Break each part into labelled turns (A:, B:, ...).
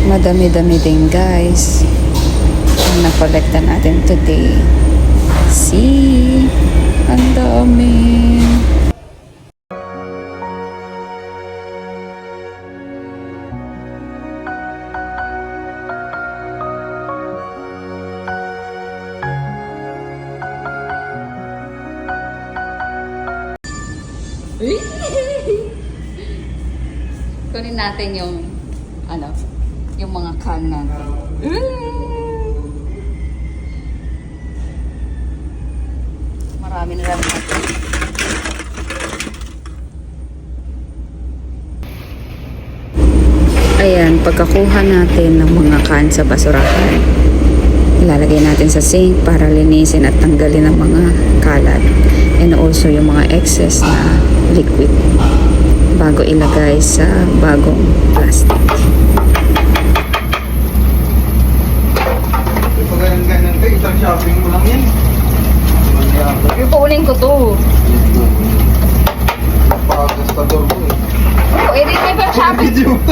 A: Madami-dami din guys ang nakolekta natin today. See? Ang dami. Kunin natin yung yung mga can natin. Marami na lang natin. Ayan, pagkakuha natin ng mga can sa basurahan, ilalagay natin sa sink para linisin at tanggalin ang mga kalat. And also yung mga excess na liquid bago ilagay sa bagong plastic.
B: Ganyan ka, isang shopping mo lang yan.
A: Ipuunin ko to.
B: Napakagastador mo eh.
A: Oh, edi may pang shopping.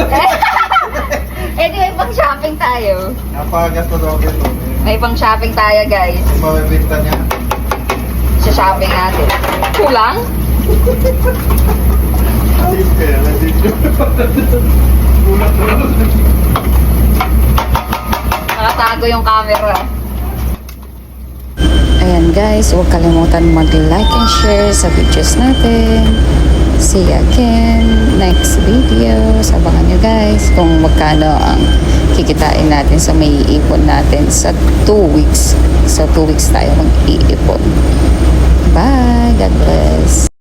A: Edi may pang shopping tayo.
B: Napakagastador ito.
A: May pang shopping tayo guys.
B: Yung mabibinta niya.
A: Sa shopping natin. Kulang?
B: Ayun kaya, nandito. Kulang.
A: Nakatago yung camera. Ayan guys, huwag kalimutan mag-like and share sa videos natin. See you again next video. Sabangan nyo guys kung magkano ang kikitain natin sa may iipon natin sa 2 weeks. So 2 weeks tayo mag-iipon. Bye! God bless!